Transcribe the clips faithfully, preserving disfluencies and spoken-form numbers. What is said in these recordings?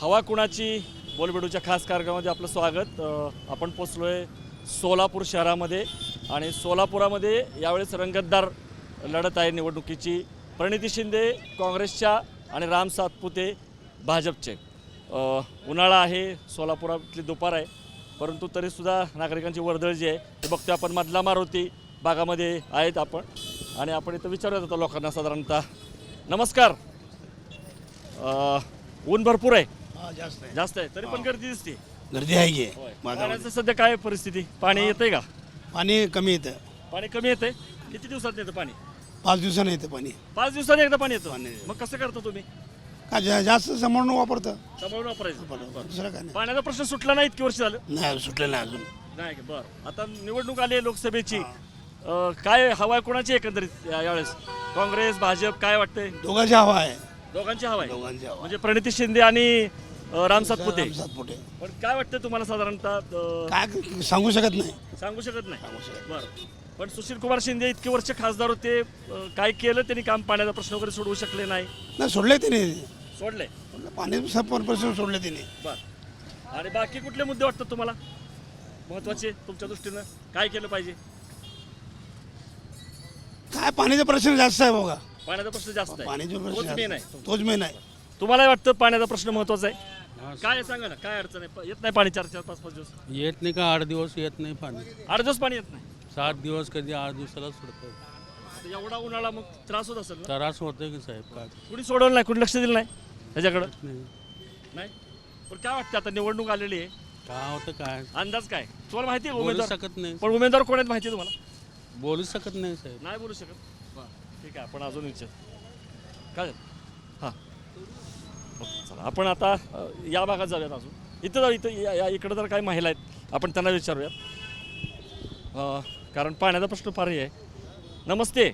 हवा कुणाची बोलबेडूच्या खास कार्यक्रमामध्ये आपलं स्वागत। आपण पोचलो आहे सोलापूर शहरामध्ये आणि सोलापुरामध्ये यावेळेस रंगतदार लढत आहे निवडणुकीची। प्रणिती शिंदे काँग्रेसच्या आणि राम सातपुते भाजपचे। उन्हाळा आहे, सोलापुरातली दुपार आहे, परंतु तरीसुद्धा नागरिकांची वर्दळ जी आहे ते बघतो आपण। मधला मारुती भागामध्ये आहेत आपण आणि आपण इथं विचारत होतो लोकांना साधारणतः। नमस्कार। ऊन भरपूर आहे, जास्त आहे जास्त आहे, तरी पण गर्दी दिसते। गर्दी आहे की पाण्याचं सध्या काय परिस्थिती? पाणी येतंय का? पाणी कमी येतं। पाणी कमी येतंय? किती दिवसात येतं पाणी? पाच दिवसांनी येतं पाणी। पाच दिवसांनी एकदा पाणी येतं? पाणी. मग कसं करता तुम्ही? का जा- जास्त समोरून वापरतं, सांभाळून वापरायचं? दुसरं काय नाही। पाण्याचा प्रश्न सुटला नाही इतकी वर्ष झालं? नाही सुटलं नाही अजून। नाही का? बरं, आता निवडणूक आली आहे लोकसभेची। अं, काय हवा आहे कोणाची एकंदरीत या- यावेळेस? काँग्रेस, भाजप, काय वाटतंय? दोघांची हवा आहे, दोघांची हवा आहे, दोघांची हवा। म्हणजे प्रणिती शिंदे आणि अं, राम सातपुते। सातपुते पण काय वाटतं तुम्हाला साधारणतः? अं, काय सांगू शकत नाही। सांगू शकत नाही। सांगू शकत बरं, पण सुशील कुमार शिंदे इतके वर्ष खासदार होते, अं, काय केलं त्यांनी काम? पाण्याचा प्रश्न वगैरे सोडवू शकले नाही? नाही सोडले तिने, सोडले? पाणी प्रश्न सोडले तिने। बरं, आणि बाकी कुठले मुद्दे वाटतात तुम्हाला महत्वाचे तुमच्या दृष्टीनं? काय केलं पाहिजे? काय पाण्याचा प्रश्न जास्त आहे बघा। पाण्याचा प्रश्न जास्त आहे, पाण्याचा तोच प्रश्न मेन जास्त. आहे। तोच मेन आहे। तुम्हाला वाटतं पाण्याचा प्रश्न महत्वाचा आहे? काय आहे सांगा ना, काय अडचण आहे? येत नाही पाणी चार चार पाच पाच दिवस? येत नाही का? आठ दिवस येत नाही पाणी। आठ दिवस पाणी येत नाही? सात दिवस कधी आठ दिवसाला सोडतं। आता एवढा उन्हाळा, मग त्रास होत असेल ना? त्रास होतोय की साहेब? काय कुणी सोडवलं नाही, कुणी लक्ष दिलं नाही त्याच्याकडं? नाही नाही, पण काय वाटतं आता निवडणूक आलेली आहे, काय होतं काय अंदाज काय तुम्हाला माहिती आहे? बोलू उमेदवार शकत नाही, पण उमेदवार कोण आहेत माहिती आहे तुम्हाला? बोलू शकत नाही साहेब। नाही बोलू शकत? ठीक आहे, आपण अजून विचार काय झालं? हां, ओके, चला आपण आता अ, या भागात जाऊयात। अजून इथं जाऊ, इथं या- या इकडं तर काही महिला आहेत, आपण त्यांना विचारूयात, अ, कारण पाण्याचा प्रश्न फार आहे। नमस्ते।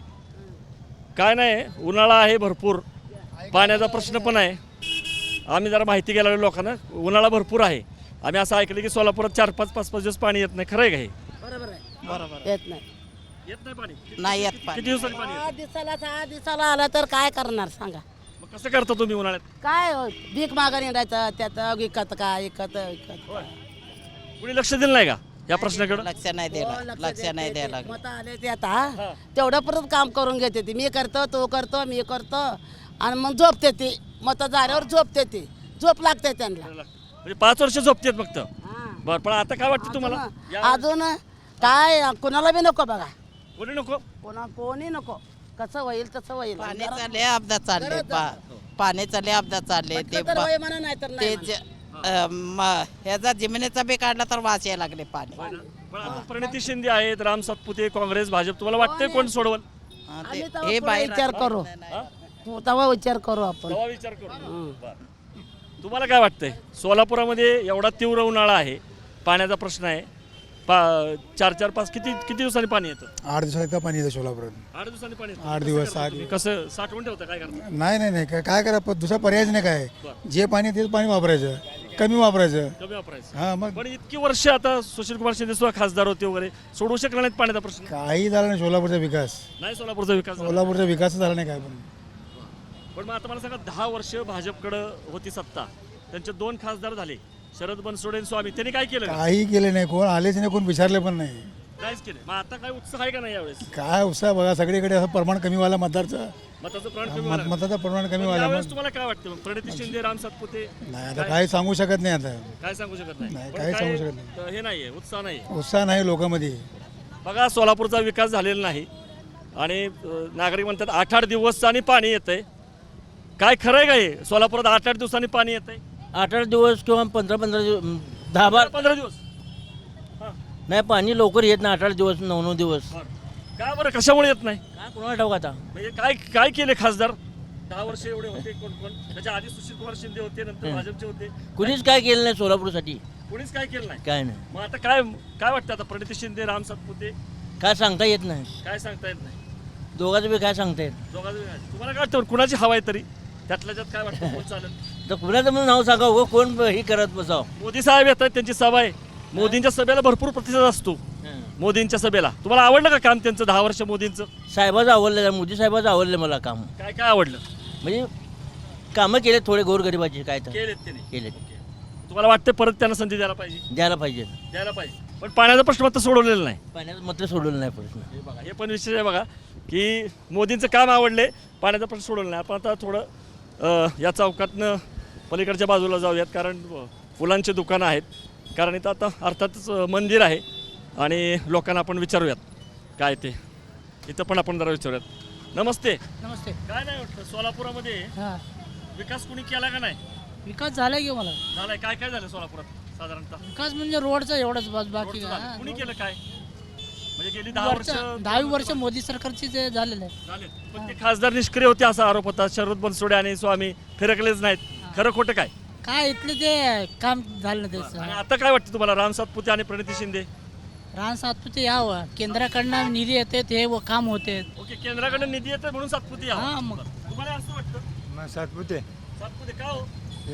काय नाही, उन्हाळा आहे भरपूर, पाण्याचा प्रश्न पण आहे। आम्ही जरा माहिती घ्यायला लागलो लोकांना, उन्हाळा भरपूर आहे। आम्ही असं ऐकलं की सोलापुरात चार पाच पाच पाच दिवस पाणी येत नाही, खरं आहे का हे? बरोबर आहे, बरोबर येत नाही येत नाही पाणी? किती- नाही येत किती- पाणी. किती दिवसांनी पाणी सहा येतं? दिवसाला सहा दिवसाला आला तर काय करणार सांगा? मग कसं करता तुम्ही उन्हाळ्यात? काय हो, भीक मागा निघायचं त्यात विकत का विकत विकत कुणी लक्ष दिलं नाही का या प्रश्नाकडे? लक्ष नाही द्यायला, लक्ष नाही द्यायला. मत आले ते आता तेवढं परत काम करून घेते ती। मी करतो, तो करतो, मी करतो आणि मग झोपते ती। मत झाल्यावर झोपते ती, झोप लागते त्यांना। म्हणजे पाच वर्ष झोपतेत फक्त? हा. बरं, पण आता काय वाटतं तुम्हाला? या- अजून काय कुणाला बी नको बघा, कोणी नको? कोणा कोणी नको, कसं होईल तसं होईल। पाण्याचा लय अपघात चालले, पाण्याचा लय अपघात चालले ते तर होय म्हणा, नाही तर ते नाही ज- अं, म- ह्याचा जमिनीचा बी काढला तर वास यायला लागले पाणी। पण आता प्रणिती शिंदे आहेत, राम सातपुते, काँग्रेस, भाजप, तुम्हाला वाटतंय कोण सोडवल? हा, आम्ही ते- तेव्हा हे पुढे बाहेर विचार करू, हा? तेव्हा विचार करू आपण। तेव्हा विचार करू। बरं. तुम्हाला काय वाटतंय? सोलापुरामध्ये एवढा तीव्र उन्हाळा आहे, पाण्याचा प्रश्न आहे, पा चार चार पाच किती किती दिवसांनी पाणी येतं? आठ दिवसात एकदा पाणी येतं सोलापुरात। आठ दिवसांनी पाणी येतं? आठ कसं दिवस, करता आठ तुम्ही? कसं साठवून ठेवता? काय करता? नाही नाही नाही काय काय करा, पण दुसरा पर्यायच नाही काय। जे पाणी तेच पाणी वापरायचं, कमी वापरायचं। कमी वापरायचं? हा मग पण इतकी वर्ष आता सुशील कुमार शिंदे सुद्धा खासदार होते वगैरे, सोडवू शकला नाहीत पाण्याचा प्रश्न? काही झालं नाही सोलापूरचा विकास। नाही सोलापूरचा विकास झाला. सोलापूरचा विकास झाला नाही काय पण। पण मग आता मला सांगा, दहा वर्ष भाजपकडं होती सत्ता, त्यांचे दोन खासदार झाले, शरद बनसोडे आणि स्वामी, त्यांनी काय केलं? काही केले नाही, कोण आलेच नाही, कोण विचारले पण नाही। काहीच केलं? मग आता काय उत्साह आहे का नाही यावेळेस? काय उत्साह बघा, सगळीकडे असं प्रमाण कमी व्हायला मतदारचं, मताचं प्रमाण कमी मत व्हायला लागलं. मतदाचं प्रमाण कमी पण व्हायला यावेळेस मग तुम्हाला काय वाटतं? मग प्रणिती शिंदे, राम सातपुते, नाही आता काही सांगू शकत नाही आता। काय सांगू शकत नाही? नाही, पण काही काय, सांगू शकत नाही. अं, हे नाहीये, उत्साह नाही? उत्साह नाही लोकांमध्ये। बघा, सोलापूरचा विकास झालेला नाही आणि अं, नागरिक म्हणतात आठ आठ दिवसांनी पाणी येतंय। काय खरं आहे का हे? सोलापुरात आठ आठ दिवसांनी पाणी येतंय? आठ आठ दिवस किंवा पंधरा पंधरा दिवस, दहा बारा पंधरा दिवस? हां, नाही, पाणी लवकर येत नाही. आठ आठ दिवस, नऊ नऊ दिवस. बरं. का बरं, कशामुळे येत नाही? काय कोणाला ठाऊक आता? म्हणजे काय काय केले खासदार? दहा वर्ष एवढे होते कोण कोण? त्याच्या आधी सुशील कुमार शिंदे होते, नंतर भाजपचे होते, कुणीच काय केलं नाही सोलापूरसाठी, कोणीच काय केलं नाही। काय नाही. मग आता काय काय वाटतं आता? प्रणिती शिंदे, राम सातपुते, काय सांगता येत नाही. काय सांगता येत नाही? दोघांचं बी काय सांगता येत. दोघांचं वेगळं आहे. तुम्हाला काय वाटतं कुणाची हवा आहे तरी? त्यातल्या त्यात काय वाटतं कोण चालेल? तर कुणाचं म्हणून नाव सांगा, उगं कोण हे करत बसाव. मोदी साहेब येत आहेत, त्यांची सभा आहे, मोदींच्या सभेला भरपूर प्रतिसाद असतो। मोदींच्या सभेला तुम्हाला आवडलं का काम त्यांचं? दहा वर्ष मोदींचं साहेबाचं आवडलं, मोदी साहेबाचं आवडलं मला काम. काय काय आवडलं? म्हणजे कामं केले थोडे गोरगरिबाचे काय तर केलेत त्यांनी केले तुम्हाला वाटतं परत त्यांना संधी द्यायला पाहिजे द्यायला पाहिजे द्यायला पाहिजे पण पाण्याचा प्रश्न मात्र सोडवलेला नाही पाण्याचं मात्र सोडवलं नाही प्रश्न हे बघा हे पण विषय आहे बघा की मोदींचं काम आवडले पाण्याचा प्रश्न सोडवलं नाही आपण आता थोडं अ, या चौकातनं पलीकडच्या बाजूला जाऊयात कारण अ, फुलांची दुकानं आहेत कारण इथं आता अर्थातच अ, मंदिर आहे आणि लोकांना आपण विचारूयात काय ते इथं पण आपण जरा विचारूयात नमस्ते नमस्ते काय नाही वाटतं सोलापुरामध्ये हां विकास कुणी केला का नाही विकास झाला की मला झालाय काय काय झालं सोलापुरात साधारणतः विकास म्हणजे रोडचा एवढंच बस बाकी रोडचं काय. झालं. हां, कुणी रोड- केलं काय म्हणजे गेली दहा वर्ष वरचं- दहावी वर्ष मोदी सरकारची जे झालेलं आहे झाले पण ते खासदार निष्क्रिय होते असा आरोप होता शरद बनसोडे आणि स्वामी फिरकलेच नाहीत खरं खोटं काय काय इथले ते काम झालं नाही आणि त्याचं आता काय वाटतं तुम्हाला राम सातपुते आणि प्रणिती शिंदे रान सातपुते यावं केंद्राकडनं निधी येते ते व काम होते ओके केंद्राकडून निधी येते म्हणून सातपुते यावं. हां मग तुम्हाला असं वाटतं सातपुते सातपुते का हो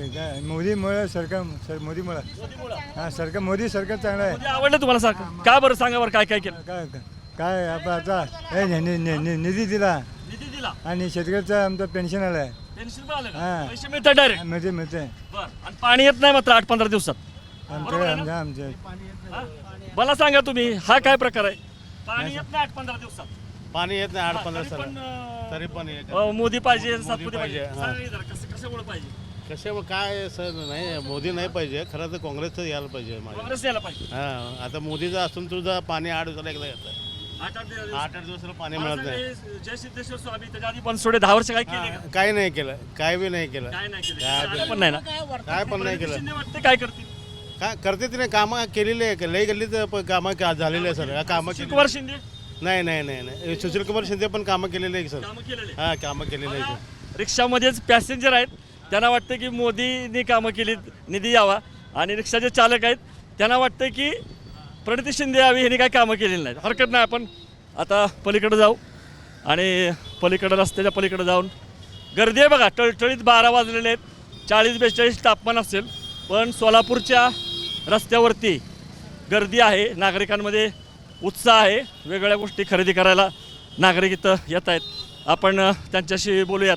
मोदीमुळे सरकार सर मोदीमुळे मोदीमुळं हां सरकार मोदी सरकार चांगलं आहे मोदी आवडलं तुम्हाला सांग का बरं सांगा बरं काय काय केलं काय काय आपण आता हे नि- नि- नि- नि- निधी दिला निधी दिला आणि शेतकऱ्याचं आमचं पेन्शन आलं आहे पेन्शन पण आलं का हां. पैसे मिळतात डायरेक्ट मिळते मिळते बरं आणि पाणी येत नाही मात्र आठ पंधरा दिवसात आमच्याकडे आमच्या आमच्या हां? मला सांगा तुम्ही हा काय प्रकार आहे पाणी येत नाही आठ पंधरा दिवसात पाणी येत नाही आठ हां, पंधरा तरी साल पण, अं, तरी पण येत अ, मोदी पाहिजे सातपुते पाहिजे पाहिजे, हां. सांगा की जरा कसं कशामुळे पाहिजे कसे काय सर नाही मोदी नाही पाहिजे खरं तर काँग्रेसचं यायला पाहिजे माझ्या काँग्रेस यायला पाहिजे हां आता मोदीचं असून तुझं पाणी आठ दिवसाला एकदा येतं आठ आठ दिवस- आठ आठ दिवसाला पाणी मला मिळत नाही सांगा, हे जय सिद्धेश्वर स्वामी त्याच्या आधी बनसोडे दहा वर्ष काय केले का? हां, काही नाही केलं काय बी नाही केलं काय नाही केलं काय आलं पण नाही ना काय पण नाही केलं शिंदे वाटते काय करतील काय करते तिने कामं केलेली आहे लई गल्लीत प- कामं का झालेली आहे सर कामं केली कुमार शिंदे नाही नाही नाही नाही सुशील कुमार शिंदे पण कामं केलेली आहे सर कामं केलेले हां कामं केलेली आहे रिक्षामध्येच पॅसेंजर आहेत त्यांना वाटतं की मोदींनी कामं केली निधी यावा आणि रिक्षाचे चालक आहेत त्यांना वाटतं की प्रणिती शिंदे यावी ह्यांनी काय कामं केलेली नाहीत हरकत नाही आपण आता पलीकडे जाऊ आणि पलीकडं रस्त्याच्या पलीकडे जाऊन गर्दी आहे बघा टळटळीत बारा वाजलेले आहेत चाळीस बेचाळीस तापमान असेल पण सोलापूरच्या रस्त्यावरती गर्दी आहे नागरिकांमध्ये उत्साह आहे वेगवेगळ्या गोष्टी खरेदी करायला नागरिक इथं येत आहेत आपण अ, त्यांच्याशी बोलूयात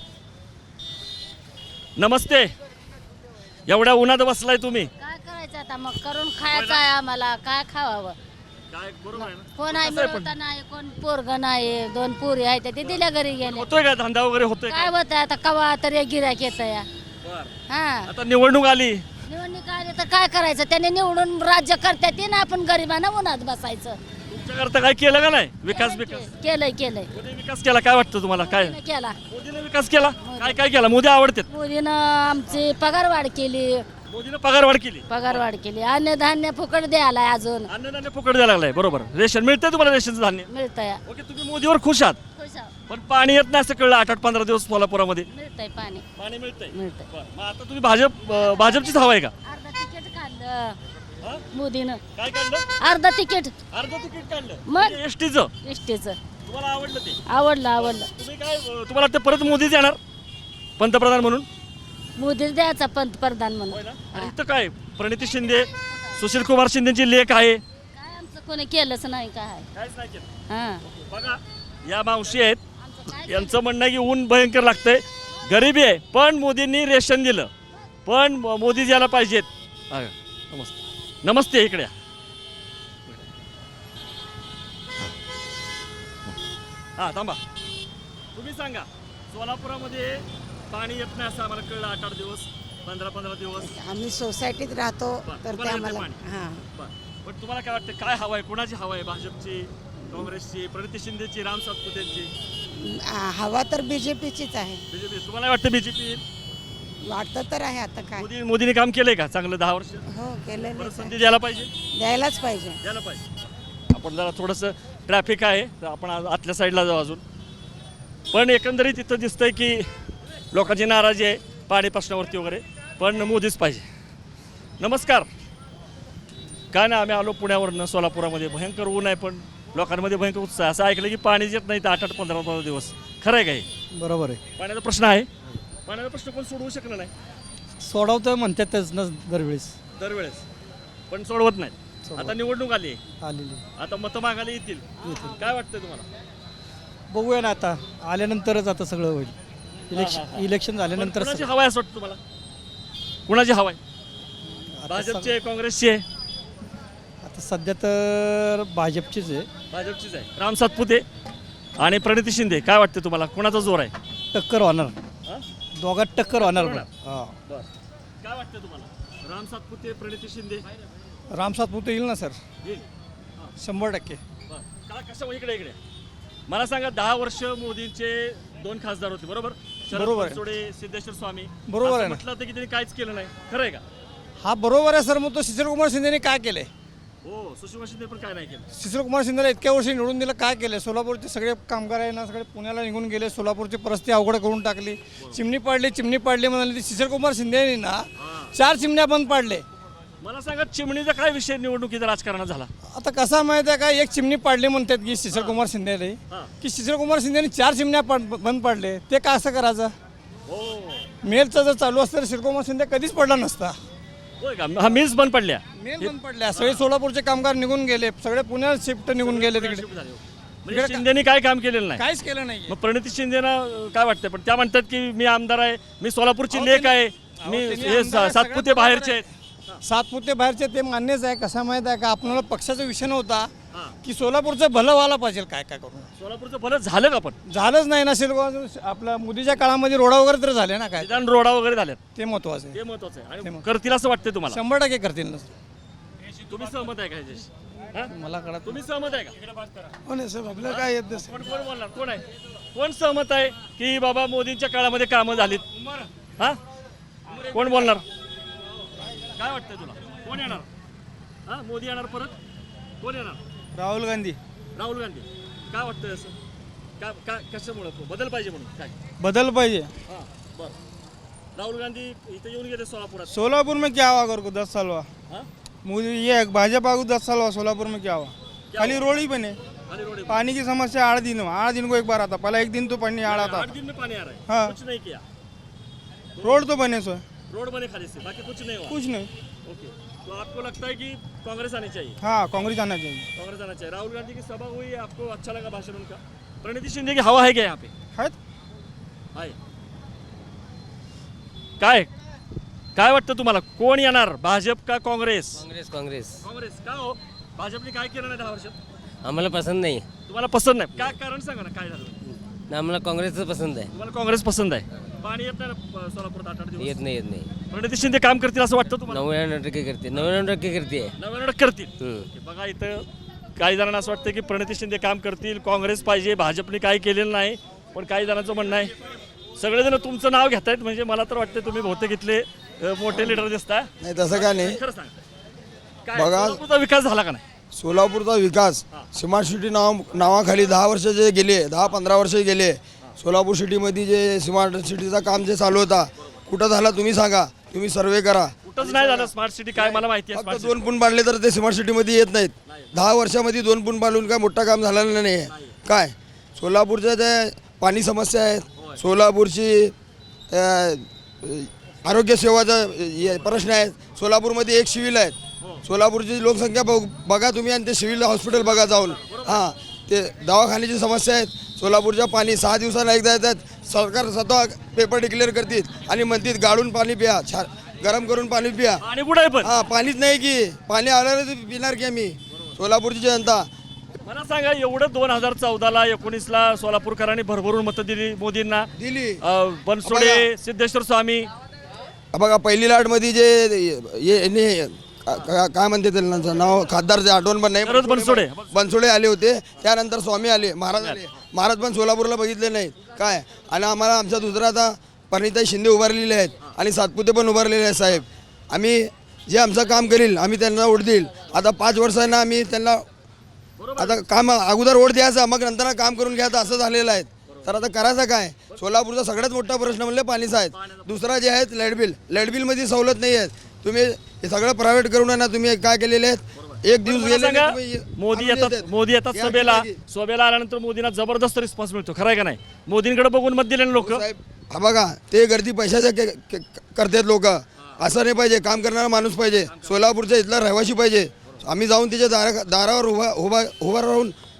नमस्ते एवढ्या उन्हात बसलाय तुम्ही काय करायचं आता मग करून खायचं आहे आम्हाला काय खावावं काय बरोबर आहे ना कोण आहे कसं आहे पण? मिळवता नाही कोण पोरग नाही दोन पोरी आहेत ते दिल्या घरी गेले होतोय का धंदा वगैरे होतोय काय का होत आता कवा तरी गिरायक येत या बरं. हा आता निवडणूक आली निवडणूक आली तर काय करायचं त्यांनी निवडून राज्य करतात ते ना आपण गरिबांना उन्हात बसायचं तुमच्याकरता काय केलं का नाही विकास विकास केलंय केलंय मोदी विकास केला काय वाटतं तुम्हाला काय केला मोदीने विकास केला काय काय केला मोदी आवडतात मोदीनं आमची पगारवाढ केली मोदीने पगारवाढ केली पगारवाढ केली अन्नधान्य फुकट द्यायला अजून अन्नधान्य फुकट द्यायला लागलाय बरोबर रेशन मिळतंय तुम्हाला रेशनचं धान्य मिळतंय ओके तुम्ही मोदीवर खुश आहात खुश आहोत. पण पाणी येत नाही असं कळलं आठ आठ पंधरा दिवस सोलापुरामध्ये मिळतंय पाणी पाणी मिळतंय मिळतंय बरं. मग आता तुम्ही भाजप अं, भाजपचीच हवा आहे का अर्धा तिकीट काढलं हा? मोदीनं काय काढलं अर्धा तिकीट अर्ध तिकीट काढलं मग? एस टीचं एसटीचं तुम्हाला आवडलं ते आवडलं आवडलं तुम्ही काय अं, तुम्हाला वाटतं परत मोदीच येणार पंतप्रधान म्हणून मोदीच द्यायचा पंतप्रधान होय म्हणून ना आणि इथं काय प्रणिती शिंदे सुशील कुमार शिंदेची लेख आहे काय आमचं कोणी केलंच नाही काय काहीच नाही केलं हा बघा या मावशी आहेत यांचं म्हणणं आहे की ऊन भयंकर लागतंय गरिबी आहे पण मोदींनी रेशन दिलं पण म- मोदी यायला पाहिजेत हा, नमस्ते नमस्ते इकडे या. हा थांबा तुम्ही सांगा सोलापुरामध्ये पाणी येत नाही असं आम्हाला कळलं आठ आठ दिवस पंधरा पंधरा दिवस आम्ही सोसायटीत राहतो बरं, तर ते तुम्हाला आम्हाला येतं पाणी? हां बरं. पण तुम्हाला काय वाटतं काय हवं आहे कोणाची हवं आहे भाजपची काँग्रेसची प्रणिती शिंदेची राम सातपुतेची आ, हवा तर बी जे पीचीच आहे बीजेपी तुम्हाला वाटतं बीजेपी वाटतं तर आहे आता काय मोदी मोदीने काम केलंय का चांगलं दहा वर्ष हो केलेलं परत संधी द्यायला पाहिजे द्यायलाच पाहिजे द्यायला पाहिजे आपण जरा थोडंसं ट्रॅफिक आहे तर आपण आज आतल्या साईडला जाऊ अजून पण एकंदरीत इथं दिसतंय की लोकांची नाराजी आहे पाणी प्रश्नावरती वगैरे पण मोदीच पाहिजे नमस्कार काय नाही आम्ही आलो पुण्यावरनं सोलापुरामध्ये भयंकर ऊन आहे पण लोकांमध्ये भयंकर उत्साह आहे. असं ऐकलं की पाणी येत नाही तर आठ आठ पंधरा पंधरा दिवस खरं आहे का हे बरोबर आहे पाण्याचा प्रश्न आहे पाण्याचा प्रश्न कोण सोडवू शकलं नाही सोडवतं म्हणतातच ना दरवेळेस दरवेळेस पण सोडवत नाही आता निवडणूक आली आहे आलेली आता मतं मागायला येतील काय वाटतंय तुम्हाला बघूया ना आता आल्यानंतरच आता सगळं होईल इलेक्शन इलेक्शन झाल्यानंतर कुणाची हवा आहे असं वाटतं तुम्हाला? कुणाची हवा आहे? भाजपची आहे, काँग्रेसची आहे? आता सध्या तर भाजपचीच आहे. भाजपचीच आहे. राम सातपुते आणि प्रणिती शिंदे, काय वाटतं तुम्हाला कुणाचा जोर आहे? टक्कर होणार, हा? दोघात टक्कर होणार. होणार. हां, बरं. काय वाटतं तुम्हाला? राम सातपुते, प्रणिती शिंदे राम सातपुते येईल ना सर, येईल? शंभर टक्के. बरं. का कसं इकडे इकडे मला सांगा, दहा वर्ष मोदींचे दोन खासदार होते बरोबर? शरद बरोबर आहे. बनसोडे, सिद्धेश्वर स्वामी. बरोबर असं आहे ना. म्हटलं होतं की त्यांनी काहीच केलं नाही, खरं आहे का? हा बरोबर आहे सर. मग तो शिशिरकुमार शिंदेने काय केलंय? हो, सुषमा शिंदे पण काय नाही केलं. शिशिरकुमार शिंदेला इतक्या वर्षी निवडून दिलं, काय केलं? सोलापूरचे सगळे कामगार आहे ना, सगळे पुण्याला निघून गेले. सोलापूरची परिस्थिती अवघड करून टाकली. चिमणी पाडली चिमणी पाडली म्हणाली. ती शिशिरकुमार शिंदेने ना चार चिमण्या बंद पाडले. मला सांगा, चिमणीचा काय विषय निवडणुकीचा राजकारणात झाला? आता कसा माहिती आहे का, एक चिमणी पाडली म्हणतात की शिशिरकुमार शिंदेने, हां. की शिशिरकुमार शिंदेने चार चिमण्या पाड बंद पाडले. ते का असं करायचं? हो, मेलचं जर चालू असतं तर शिशिरकुमार शिंदे कधीच पडला नसता. होय का? हा मिल्स बंद पडल्या. मेल बंद पडल्या. सगळे सोलापूरचे कामगार निघून गेले, सगळे पुण्यात शिफ्ट निघून गेले तिकडे. म्हणजे शिंदेनी काय काम केलेलं नाही. काहीच केलं नाही. मग प्रणिती शिंदेना अं, काय वाटतं? पण त्या म्हणतात की मी आमदार आहे, मी सोलापूरची लेक आहे, मी त्यांनी हे आमदार आहे, सातपुते सगळ्यात बाहेरचे आहेत. सातपुते बाहेरचे ते मान्यच आहे. कसा माहित आहे का, आपल्याला पक्षाचा विषय नव्हता हां. की सोलापूरचं भलं व्हायला पाहिजे काय काय करून. सोलापूरचं भलं झालं का? पण झालंच नाही ना. शिल्प आपल्या मोदीच्या काळामध्ये रोडा वगैरे तर झाले ना, काय निदान रोडा वगैरे झाल्यात, ते महत्वाचं आहे. ते महत्वाचं आहे. ते आणि मग- करतील असं वाटतंय तुम्हाला? शंभर टक्के करतील ना. तुम्ही सहमत आहे का ह्याच्याशी? हां? मला कळत तुम्ही सहमत आहे का? हो नाही साहेब, आपल्याला काय येत नाही. पण कोण बोलणार? कोण आहे? कोण सहमत आहे की बाबा मोदींच्या काळामध्ये कामं झालीत? हा, कोण बोलणार? काय वाटतंय तुला? कोण येणार? हा, मोदी येणार परत? कोण येणार? राहुल गांधी. राहुल गांधी. काय वाटतंय असं? का का कशामुळे बदल पाहिजे म्हणून काय? बदल पाहिजे. हां, बरं. राहुल गांधी इथे येऊन गेले सोलापुरात. सोलापुर में क्या हुआ कर को दस साल हुआ हां, मुझे ये भाजपा को दस साल हुआ सोलापुर में क्या हुआ खाली रोड ही बने खाली रोड है। पानी की समस्या आठ दिन हुआ आठ दिन को एक बार आता पहला एक दिन तो पानी आड़ा था आठ दिन में पानी आ रहा है। हाँ। कुछ नहीं किया। रोड तो बने सो रोड बने खाली से, बाकी कुछ नहीं हुआ। कुछ नहीं। ओके, तो आपको लगता है कि कांग्रेस आनी चाहिए? हाँ कांग्रेस आना चाहिए। कांग्रेस आना चाहिए। राहुल गांधी की सभा हुई, आपको अच्छा लगा भाषण उनका? प्रणिती शिंदे की हवा है क्या यहाँ पे? है आहे. काय काय वाटतं तुम्हाला, कोण येणार, भाजप का काँग्रेस? काँग्रेस काँग्रेस काँग्रेस. का हो? भाजपने काय केलं नाही दहा वर्षात? आम्हाला पसंत नाही तुम्हाला पसंत नाही? काय कारण सांगा ना, काय झालं? आम्हाला काँग्रेसच पसंत आहे. तुम्हाला काँग्रेस पसंत आहे. पाणी येत नाही ना सोलापुरात आठ आठ दिवस? येत नाही येत नाही प्रणिती शिंदे काम करतील असं वाटतं तुम्हाला? नव्याण्णव टक्के करते नव्याण्णव टक्के करते नव्याण्णव टक्के करतील. हम्म. ओके, बघा इथं काही जणांना असं वाटतं की प्रणिती शिंदे काम करतील, काँग्रेस पाहिजे, भाजपने काही केलेलं नाही. पण काही जणांचं म्हणणं आहे, सगळेजण तुमचं नाव घेत आहेत, म्हणजे मला तर वाटतं तुम्ही बहुतेक इथले अ, मोठे लिडर दिसता. नाही तसं काय नाही. खरं सांग, काय बघा. सोलापूरचा विकास झाला का नाही? सोलापूरचा विकास स्मार्ट सिटी नाव नावाखाली दहा वर्ष जे गेले दहा पंधरा वर्ष गेले सोलापूर सिटीमध्ये जे स्मार्ट सिटीचा काम जे चालू होता कुठं झाला तुम्ही सांगा, तुम्ही सर्वे करा. कुठंच नाही झालं स्मार्ट सिटी. काय मला माहिती आहे फक्त स्मार्ट दोन पूल बांधले तर ते स्मार्ट सिटीमध्ये येत नाहीत. दहा वर्षामध्ये दोन पूल बांधून काय मोठं काम झालेलं नाही आहे. काय सोलापूरच्या जे पाणी समस्या आहेत, सोलापूरची अ, आरोग्य सेवाचा हे प्रश्न आहेत. सोलापूरमध्ये एक सिव्हिल आहेत. सोलापूरची लोकसंख्या बघ बघा तुम्ही आणि ते सिव्हिल हॉस्पिटल बघा जाऊन. हां, ते दवाखान्याची समस्या आहेत. सोलापूरच्या पाणी सहा दिवसाला एकदा येतात. सरकार स्वतः पेपर डिक्लेअर करतील आणि म्हणतील गाळून पाणी प्या, छान गरम करून पाणी प्या. आणि कुठं आहे पण? हां, पाणीच नाही की पाणी आलं पिणार की आम्ही सोलापूरची जनता. मला सांगा, एवढं दोन हजार चौदाला एकोणीसला सोलापूरकरांनी भरभरून मतं दिली मोदींना. दिली. अ, बनसोडे, सिद्धेश्वर स्वामी. बघा पहिली लाटमध्ये जे हे- हे- का- का- काय म्हणते त्याला नाव खासदारचे आठवण पण नाही. शरद बनसोडे. बनसोडे आले होते, त्यानंतर स्वामी आले, महाराज आले. महाराज पण सोलापूरला बघितले नाहीत काय. आणि आम्हाला आमचा दुसरा आता परिणीताई शिंदे उभारलेले आहेत आणि सातपुते पण उभारलेले आहेत. साहेब आम्ही जे आमचं काम करील आम्ही त्यांना वोट देईल. आता पाच वर्षांना आम्ही त्यांना आता काम अगोदर वोट द्यायचा मग नंतर काम करून घ्यायचं असं झालेलं आहे. तर आता करायचं काय. सोलापूरचा सगळ्यात मोठा प्रश्न म्हणजे पाणीचा आहे. दुसरा जे आहेत लाईट बिल, लाईट बिलमध्ये सवलत नाही आहेत. तुम्ही हे सगळं प्रायव्हेट करून आहे ना, तुम्ही काय केलेले आहेत. एक दिवस मला गेले सांगा, तुम्ही- मोदी आणून येतात देतात. मोदी येतात या सभेला. की सभेला आल्यानंतर मोदींना जबरदस्त रिस्पॉन्स मिळतो, खरं आहे का नाही? मोदींकडे बघून मत दिले लोक. साहेब हा बघा, ते गर्दी पैशाच्या के- के- करतात लोक. असं नाही पाहिजे. काम करणारा माणूस पाहिजे. सोलापूरचा इथला रहिवासी पाहिजे. आम्ही जाऊन त्याच्या दारा दारावर उभा उभा उभा राहून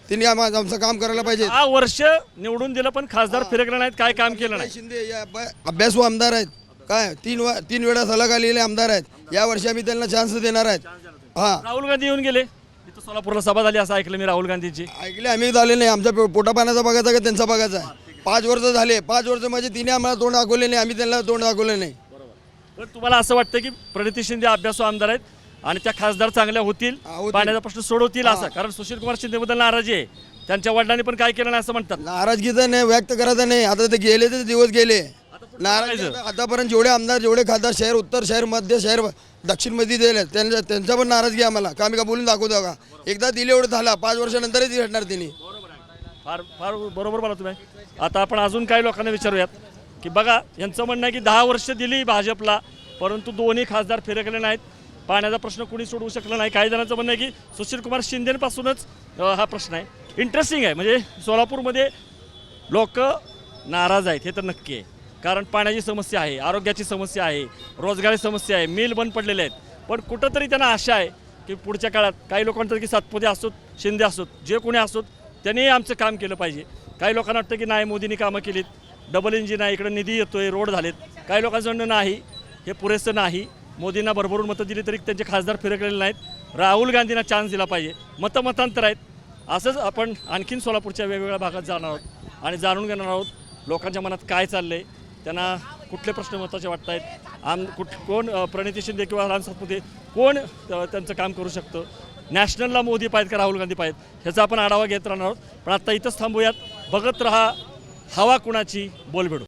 त्यांनी आम्हा- आमचं काम करायला पाहिजे. दहा वर्ष निवडून दिलं पण खासदार फिरकले नाहीत, काय काम केलं नाही. शिंदे या ब- अभ्यासू आमदार आहेत, काय तीन वा- तीन वेळा सलग आलेले आमदार आहेत. या वर्षी आम्ही त्यांना चान्स देणार आहेत. हां, राहुल गांधी येऊन गेले इथं सोलापूरला सभा झाली असं ऐकलं मी राहुल गांधीची. ऐकले आम्ही झाले नाही. आमच्या पो- पोटापाण्याचा बघायचा का त्यांचा बघायचा आहे. पाच वर्ष झाले, पाच वर्ष म्हणजे तिने आम्हाला तोंड दाखवले नाही, आम्ही त्यांना तोंड दाखवलं नाही. पण तुम्हाला असं वाटतं की प्रणिती शिंदे अभ्यासू आमदार आहेत आणि त्या खासदार चांगल्या होतील, हा, होतील. पाण्याचा प्रश्न सोडवतील असं? कारण सुशील कुमार शिंदेबद्दल नाराजी आहे, त्यांच्या वडिलांनी पण काय केलं नाही असं म्हणतात. नाराजगीचा नाही व्यक्त करायचं नाही. आता ते गेले ते दिवस गेले. पुढचं नाराज करायचं. आतापर्यंत जेवढे आमदार जेवढे खासदार शहर उत्तर शहर मध्य शहर दक्षिण मध्ये दिले त्यांच्या त्यांच्या पण नाराजगी आम्हाला का आम्ही का बोलून दाखवतो का. एकदा दिले एवढं झाला, पाच वर्षानंतरच भेटणार त्यांनी. फार फार बरोबर बोला तुम्ही. आता आपण अजून काही लोकांना विचारूयात की बघा, यांचं म्हणणं आहे की दहा वर्ष दिली भाजपला, परंतु दोन्ही खासदार फिरकले नाहीत, पाण्याचा प्रश्न कुणी सोडवू शकलं नाही. काही जणांचं म्हणणं आहे की सुशील कुमार शिंदेपासूनच अ, हा प्रश्न आहे. इंटरेस्टिंग आहे, म्हणजे सोलापूरमध्ये लोक नाराज आहेत हे तर नक्की आहे. कारण पाण्याची समस्या आहे, आरोग्याची समस्या आहे, रोजगारी समस्या आहे, मिल बंद पडलेले आहेत. पण कुठंतरी त्यांना आशा आहे की पुढच्या काळात काही लोकांचं की सातपुते असोत, शिंदे असोत, जे कोणी असोत त्यांनी आमचं काम केलं पाहिजे. काही लोकांना वाटतं की नाही मोदींनी कामं केलीत, डबल इंजिन आहे, इकडं निधी येतोय, रोड झालेत. काही लोकांचं म्हणणं नाही, हे पुरेसं नाही, मोदींना भरभरून मतं दिली तरी त्यांचे खासदार फिरकलेले नाहीत, राहुल गांधींना चान्स दिला पाहिजे. मतं मतांतर आहेत. असंच आपण आणखीन सोलापूरच्या वेगवेगळ्या भागात जाणार आहोत आणि जाणून घेणार आहोत लोकांच्या मनात काय चाललं आहे, त्यांना कुठले प्रश्न महत्त्वाचे वाटत आहेत, आम कुठ कोण अ, प्रणिती शिंदे किंवा राम सातपुते कोण अ, त्यांचं काम करू शकतं, नॅशनलला मोदी पाहिजेत का राहुल गांधी पाहिजेत, ह्याचा आपण आढावा घेत राहणार आहोत. पण आता इथंच थांबूयात. बघत रहा हवा कुणाची, बोलबेडू.